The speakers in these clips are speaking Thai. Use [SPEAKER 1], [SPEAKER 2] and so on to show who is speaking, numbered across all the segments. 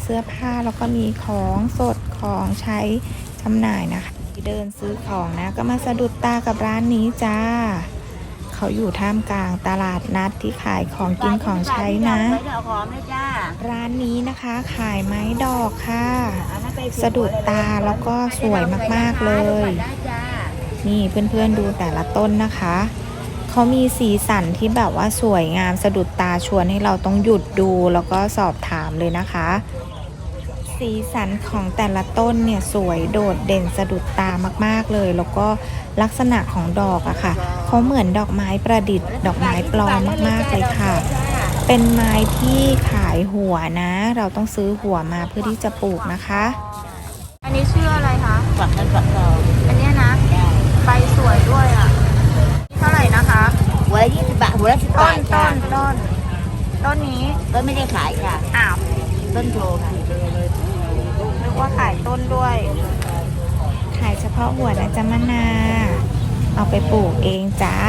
[SPEAKER 1] เสื้อผ้าแล้วก็มีของสดของใช้จำหน่ายนะคะเดินซื้อของนะก็มาสะดุดตากับร้านนี้จ้าเขาอยู่ท่ามกลางตลาดนัดที่ขายของกินของใช้นะร้านนี้นะคะขายไม้ดอกค่ะสะดุดตาแล้วก็สวยมากๆเลยนี่เพื่อนๆดูแต่ละต้นนะคะเขามีสีสันที่แบบว่าสวยงามสะดุดตาชวนให้เราต้องหยุดดูแล้วก็สอบถามเลยนะคะสีสันของแต่ละต้นเนี่ยสวยโดดเด่นสะดุดตามากๆเลยแล้วก็ลักษณะของดอกอะค่ะเขาเหมือนดอกไม้ประดิษฐ์ดอกไม้ปลอมมากๆเลยค่ะเป็นไม้ที่ขายหัวนะเราต้องซื้อหัวมาเพื่อที่จะปลูกนะคะ
[SPEAKER 2] อันนี้ชื่ออะไรคะ
[SPEAKER 3] ฝักเงินฝักทอง
[SPEAKER 2] อันนี้นะใบสวยด้วยอ่ะเท่าไหร่นะคะ
[SPEAKER 3] หัวละ20 บาทหัวละ10 บาท
[SPEAKER 2] ต้นนี้
[SPEAKER 3] ต้นไม่ได้ขายค่ะ
[SPEAKER 2] อ้าว
[SPEAKER 3] ต้นโชว์ค่ะ
[SPEAKER 2] นึกว่าขายต้นด้วย
[SPEAKER 1] ขายเฉพาะหัวนะจ๊ะมะนาเอาไปปลูกเองจ้า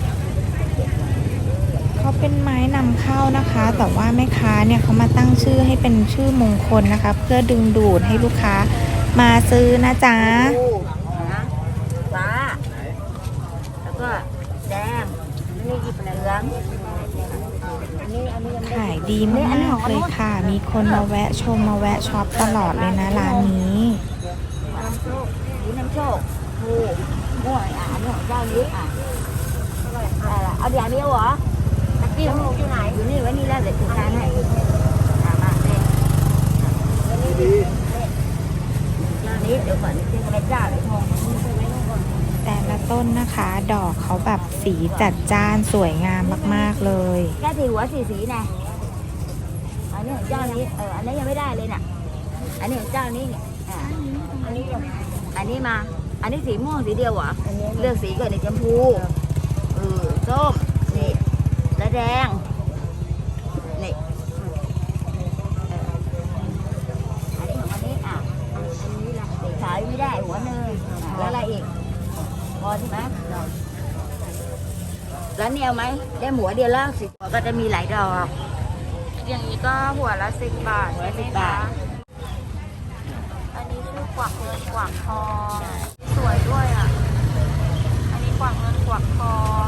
[SPEAKER 1] เขาเป็นไม้นำเข้านะคะแต่ว่าแม่ค้าเนี่ยเขามาตั้งชื่อให้เป็นชื่อมงคลนะคะเพื่อดึงดูดให้ลูกค้ามาซื้อนะจ๊ะ
[SPEAKER 3] ฟ้าแล้วก็แดงนี่หยิบเหลือง
[SPEAKER 1] ขายดีมากเลยค่ะมีคนมาแวะชมมาแวะช็อปตลอดเลยนะร้านนี้
[SPEAKER 3] น้ำโชคผูม่วงอันนี้ของเจ้านี้เอาเดี๋ยวนี้เหรอตะกี้ของลูกอยู่ไหนอยู่นี่ไว้นี่แล้วเดี๋ยวจัดการให้มาเลยเจ้านี้เดี๋ยวก่อนจะไปเจ้าเดี๋ยวทอง
[SPEAKER 1] แต่ละต้นนะคะดอกเขาแบบสีจัดจ้านสวยงามมากๆเลย
[SPEAKER 3] แค่สีหัวสีนะอันนี้ของเจ้านี้อันนี้ยังไม่ได้เลยน่ะอันนี้ของเจ้านี้เนี่ยอันนี้มาอันนี้สีม่วงสีเดียวเหรอเลือกสีก่อนในชมพูส้มนี่และแดงนี่อันนี้ของอันนี้สีขาวไม่ได้หัวหนึ่งแล้วอะไรอีกพอใช่ไหมแล้วเนี่ยไหมได้หัวเดียวแล้วสิหัวก็จะมีหลายดอก
[SPEAKER 2] อย่างนี้ก็หัวละ10 บาท
[SPEAKER 3] หัวละ10 บาท
[SPEAKER 2] อันนี้ชื่อกวักเงินกวักทองสวยด้วยอ่ะอันนี้กวักเงินกวักทอง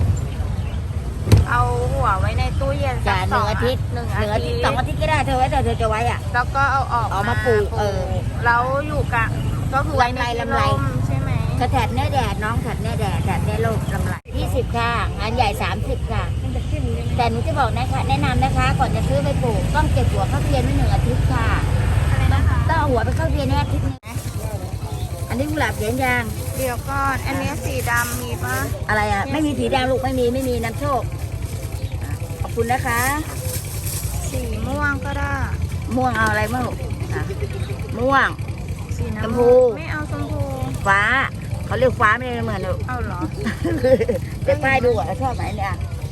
[SPEAKER 2] เอาหัวไว้ในตู้เย็นสัก
[SPEAKER 3] 1 อาทิตย์2 อาทิตย์ก็ได้เธอไว้แต่เธอจะไว้อ่ะ
[SPEAKER 2] แล้วก็เอา
[SPEAKER 3] มาปลูก
[SPEAKER 2] แล้วอยู่กะก็คือไว้ใน
[SPEAKER 3] ลำไร
[SPEAKER 2] ใช่ไหม
[SPEAKER 3] แถบเนื้อแดดน้องแถบเนื้อแดดแถบเนื้อโลกลำไร20 ค่ะงานใหญ่30 ค่ะแต่หนูจะบอกนะคะแนะนำนะคะก่อนจะซื้อไปปลูกต้องเก็บหัวเข้าเทียนไว้1 อาทิตย์ค่ะ
[SPEAKER 2] อะไรนะคะ
[SPEAKER 3] ต้องเอาหัวไปเข้าเทียนอาทิตย์นึงนะอันนี้กุหลาบเขียนยาง
[SPEAKER 2] เดี๋ยวก่อนอันนี้สีดำมีปะ
[SPEAKER 3] อะไรอ่ะไม่มีสีดำลูกไม่มีน้ำโชคขอบคุณนะคะ
[SPEAKER 2] สีม่วงก็ได้
[SPEAKER 3] ม่วงเอาอะไรบ้างลูกม่วงชมพู
[SPEAKER 2] ไม่เอาชมพู
[SPEAKER 3] ฟ้าเขาเรียกฟ้าไม่ได้เหมือนลูก
[SPEAKER 2] เอาเหรอ
[SPEAKER 3] เดี๋ยวป้ายดูอ่ะชอบไหมเนี่ย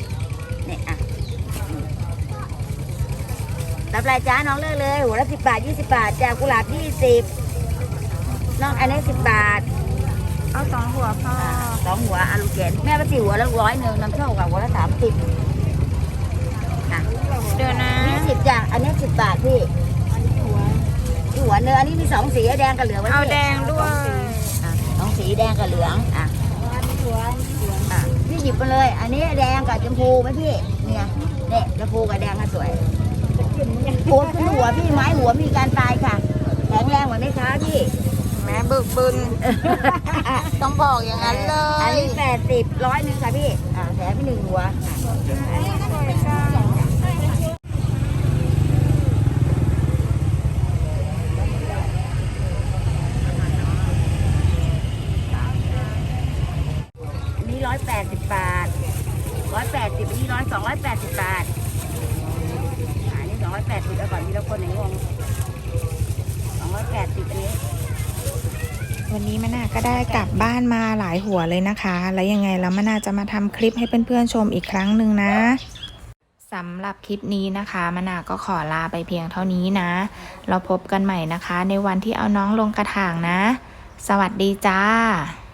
[SPEAKER 3] รับรายจ้าน้องเลือกเลยหัวละ10 บาท20 บาทจากกุหลาบ20น้องอันนี้10 บาท
[SPEAKER 2] เอา2 หัวพ่อ
[SPEAKER 3] 2 หัวอาลูกเกนแม่ไป4 หัวแล้ว100น้ำโชคกับหัวละ30
[SPEAKER 2] เดี๋ยวนะ
[SPEAKER 3] 20จ้ะอันนี้10 บาทพี่หัวเนื้ออันนี้มี2 สีแดงกับเหลือง
[SPEAKER 2] เอาแดงด้วย
[SPEAKER 3] 2 สีแดงกับเหลืองพี่หยิบมาเลยอันนี้แดงกับชมพูไหมพี่เนี่ยชมพูกับแดงก็สวยหัวขึ้นหัวพี่ไม้หัวมีการตายค่ะแข็งแรงเหมือนไหมคะพี่
[SPEAKER 2] แม่บึกบึนต้องบอกอย่างนั้นเลย
[SPEAKER 3] อันนี้80 100 นึงค่ะพี่แถมไป1 หัว180 บาท180อันนี้280 บาทอันนี้280เอาก่อนทีละคนไหนงง280อันนี้
[SPEAKER 1] วันนี้มะนาก็ได้กลับบ้านมาหลายหัวเลยนะคะแล้วยังไงแล้วมะนาจะมาทำคลิปให้เพื่อนๆชมอีกครั้งหนึ่งนะสำหรับคลิปนี้นะคะมะนาก็ขอลาไปเพียงเท่านี้นะเราพบกันใหม่นะคะในวันที่เอาน้องลงกระถางนะสวัสดีจ้า